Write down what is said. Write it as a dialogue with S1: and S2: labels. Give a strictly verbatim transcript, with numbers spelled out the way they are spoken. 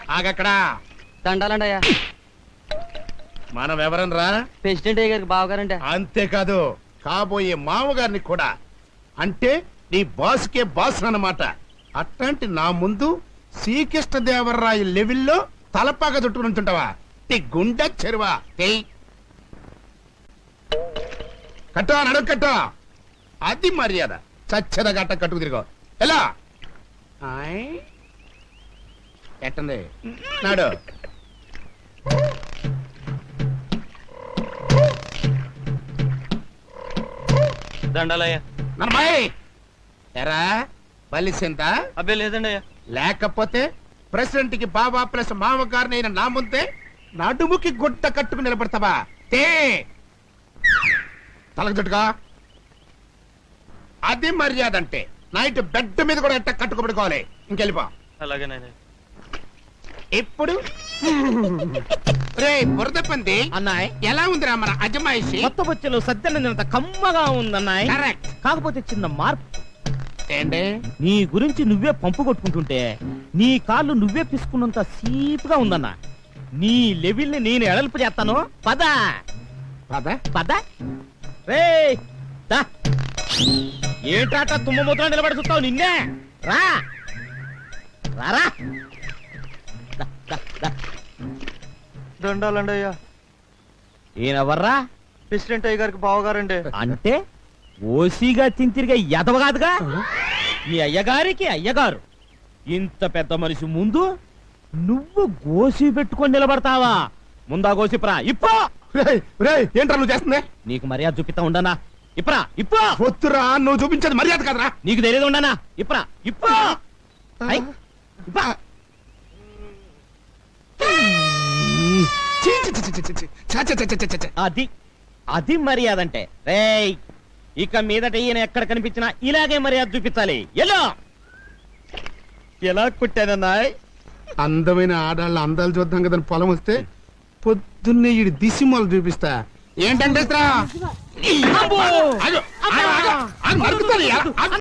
S1: ఆగక్కడా
S2: దండాలండి అయ్యా.
S1: మనం ఎవరనరా?
S2: ప్రెసిడెంట్ అయ్య గారికి బావగారంటే.
S1: అంతేకాదు కాబోయే మామగారిని కూడా. అంటే నీ బాస్కే బాస్ అన్నమాట. అట్లాంటి నా ముందు శ్రీకృష్ణదేవరాయ లెవెల్లో తలపాగా చుట్టుకుని ఉంటుంటావా? నీ గుండె చెరువా కట్టా నడువు కట్టా. అది మర్యాద. చచ్చద గట్ట కట్టుకు తిరిగో ఎలా ఎట్టంది నాడు.
S2: దండాలయ్యా.
S1: నర్మాయ్ ఎరా బలిసింత
S2: అబ్బే లేదండి అయ్యా.
S1: లేకపోతే ప్రెసిడెంట్ కి బాబా ప్లస్ మామగారిని అయిన నా ముందే నడుముకి గుడ్డ కట్టుకుని నిలబడతావా? తే తలకు చుట్టుగా. అది మర్యాద అంటే. నైట్ బెడ్ మీద కూడా ఎట్ట కట్టుకోబడుకోవాలి. ఇంకెళ్ళిపో.
S2: అలాగేనండి.
S1: ఇప్పుడు రే బురద పంది
S3: అన్నాయ్
S1: ఎలా ఉందిరా మన అజమాయిషి?
S3: కొత్త బొచ్చలు సత్యనందినంత కమ్మగా ఉందన్నాయ్.
S1: కరెక్ట్.
S3: కాకపోతే చిన్న మార్పు.
S1: ఏంటి?
S3: నీ గురించి నువ్వే పంపు కొట్టుకుంటుంటే నీ కాళ్ళు నువ్వే పిసుకున్నంత సీపుగా ఉందన్నా. నీ లెవెల్ ని నేను ఎడల్పు చేస్తాను. పద
S1: పద
S3: పద రే ఏంటాట తుమ్మ మూత్రం నిలబడి చూస్తావు? నిన్నే రా రారా.
S2: దండాలండి అయ్యా.
S3: ఈయనెవర్రా?
S2: ప్రెసిడెంట్ అయ్య గారికి బావగారండి.
S3: అంటే ఓసీగా తింతిరిగా ఎదవగాదుగా. మీ అయ్యగారికి అయ్యగారు. ఇంత పెద్ద మనిషి ముందు నువ్వు గోసి పెట్టుకొని నిలబడతావా? ముందా గోసిప్రా ఇప్పో.
S1: ఏంట్రా నువ్వు చేస్తుంది?
S3: నీకు మర్యాద చూపిస్తా ఉండనా? ఇప్రా ఇప్పో.
S1: వద్దురా, నువ్వు చూపించేది మర్యాద కదరా.
S3: నీకు తెలియదు ఉండనా? ఇప్రా ఇప్పో. ఐ, ఇప్పా.
S1: చీ, చీ, చీ, చీ, చీ, చీ. చ, చ, చ, చ, చ, చ.
S3: అది అది మర్యాద అంటే. రేయ్ ఇక మీదట ఈయన ఎక్కడ కనిపించినా ఇలాగే మర్యాద చూపించాలి. ఎలా ఎలా కుట్టానన్నాయ్?
S1: అందమైన ఆడాళ్ళ అందాలు చూద్దాం కదా పొలం వస్తే పొద్దున్నే ఈ దిశమలు చూపిస్తా. ఏంటంటే